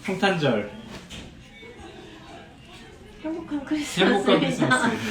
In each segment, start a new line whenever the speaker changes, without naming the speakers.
성탄절
행복한 크리스마스.
행복한 크리스마스. 네.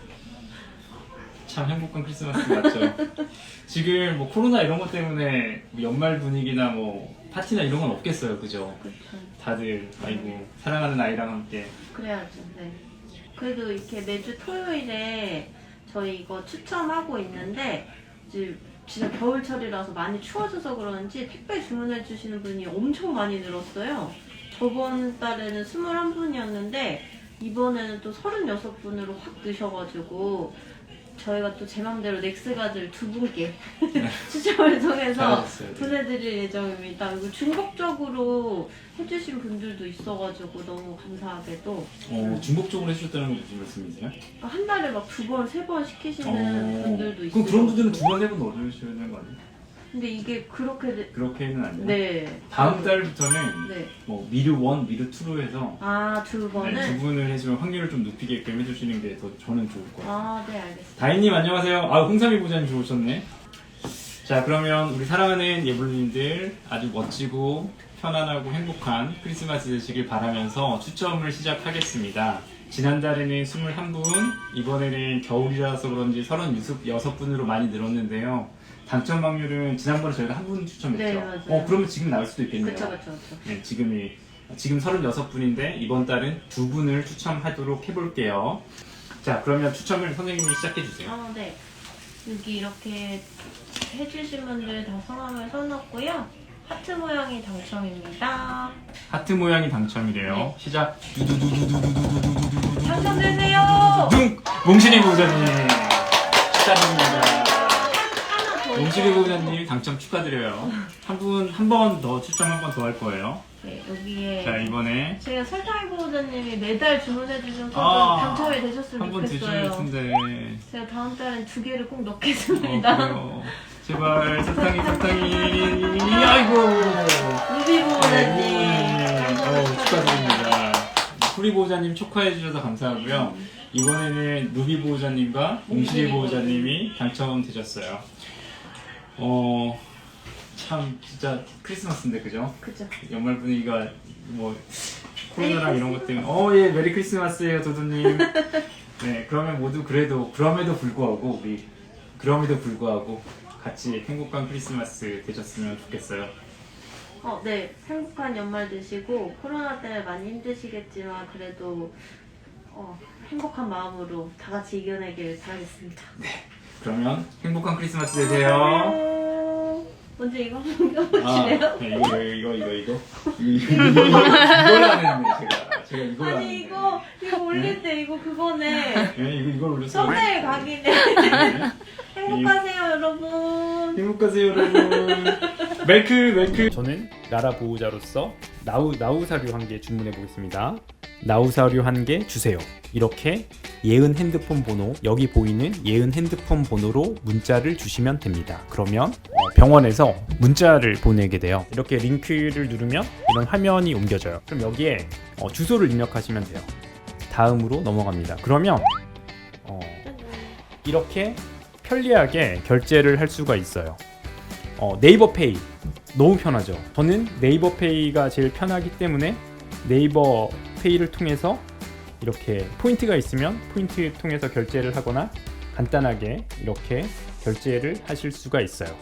참 행복한 크리스마스 맞죠? 지금 뭐 코로나 이런 것 때문에 뭐 연말 분위기나 뭐 파티나 이런 건 없겠어요, 그죠?
그렇죠.
다들 아이고 사랑하는 아이랑 함께.
그래야죠. 네. 그래도 이렇게 매주 토요일에 저희 이거 추첨하고 있는데 이제 진짜 겨울철이라서 많이 추워져서 그런지 택배 주문해 주시는 분이 엄청 많이 늘었어요. 저번 달에는 21분이었는데 이번에는 또 36분으로 확 느셔가지고 저희가 또 제 맘대로 넥스가들 2분께 추첨을 통해서
잘하셨어요.
보내드릴 예정입니다. 그리고 중복적으로 해주신 분들도 있어가지고 너무 감사하게도
중복적으로 해주셨다는 건 무슨 말씀이세요?
한 달에 막 2번, 3번 시키시는 분들도 있어요.
그럼 그런 분들은 2번, 3번 넣어주셔야 되는 거 아니에요?
근데 이게 그렇게
그렇게는 안 돼요?
네.
다음 달부터는
네.
뭐 미르 1, 미르 2로 해서
아, 2번은?
네, 2분을 해주면 확률을 좀 높이게끔 해주시는 게 더 저는 좋을 것 같아요.
아, 네, 알겠습니다.
다인님 안녕하세요. 아, 홍삼이 보자님 좋으셨네. 자, 그러면 우리 사랑하는 예불님들 아주 멋지고 편안하고 행복한 크리스마스 되시길 바라면서 추첨을 시작하겠습니다. 지난달에는 21분, 이번에는 겨울이라서 그런지 36분으로 많이 늘었는데요. 당첨 확률은 지난번에 저희가 한 분 추첨했죠.
네, 맞아요.
그러면 지금 나올 수도 있겠네요.
그쵸.
네, 지금 36분인데 이번 달은 2분을 추첨하도록 해볼게요. 자, 그러면 추첨을 선생님이 시작해주세요.
네. 여기 이렇게 해주신 분들 다 성함을 써놨고요. 하트 모양이 당첨입니다.
하트 모양이 당첨이래요.
네.
시작. 두두두두두두두두두두두.
당첨되세요!
몽실이 보호자님 축하드립니다.
하나 더
몽실이 보호자님 당첨 축하드려요. 한 번 더 추첨 한 번 더 할 거예요.
네, 여기에
자, 이번에
제가 설탕이 보호자님이 매달 주문해주셔서 당첨이 되셨으면
한 번 드셔야
좋겠어요.
텐데.
제가 다음 달엔 2개를 꼭
어,
넣겠습니다.
그래요. 제발 설탕이 아이고.
루비 보호자님.
네, 축하드립니다. 쿠리 보호자님 축하해 주셔서 감사하고요. 이번에는 루비 보호자님과 몽실이 보호자님이 당첨되셨어요. 참 진짜 크리스마스인데 그죠?
그죠.
연말 분위기가 뭐 코로나랑 이런 것 때문에 예 메리 크리스마스예요 도도님. 네, 그러면 모두 그럼에도 불구하고 같이 행복한 크리스마스 되셨으면 좋겠어요.
네. 행복한 연말 되시고 코로나 때문에 많이 힘드시겠지만 그래도 행복한 마음으로 다 같이 이겨내길 바라겠습니다.
그러면 행복한 크리스마스 되세요.
먼저 이거 한번 껴보실래요?
네, 이걸 안 했네 제가 이걸 안
아니
했네.
이거 올릴 때 이거 그거네.
네, 이걸 올렸어요.
썸네일 각이네. 행복하세요 여러분.
행복하세요 여러분. 멜크. 저는 나라 보호자로서 나우사료 1개 주문해 보겠습니다. 나우사료 1개 주세요. 이렇게 예은 핸드폰 번호, 여기 보이는 예은 핸드폰 번호로 문자를 주시면 됩니다. 그러면 병원에서 문자를 보내게 돼요. 이렇게 링크를 누르면 이런 화면이 옮겨져요. 그럼 여기에 주소를 입력하시면 돼요. 다음으로 넘어갑니다. 그러면 이렇게 편리하게 결제를 할 수가 있어요. 네이버페이 너무 편하죠. 저는 네이버페이가 제일 편하기 때문에 네이버페이를 통해서 이렇게 포인트가 있으면 포인트 통해서 결제를 하거나 간단하게 이렇게 결제를 하실 수가 있어요.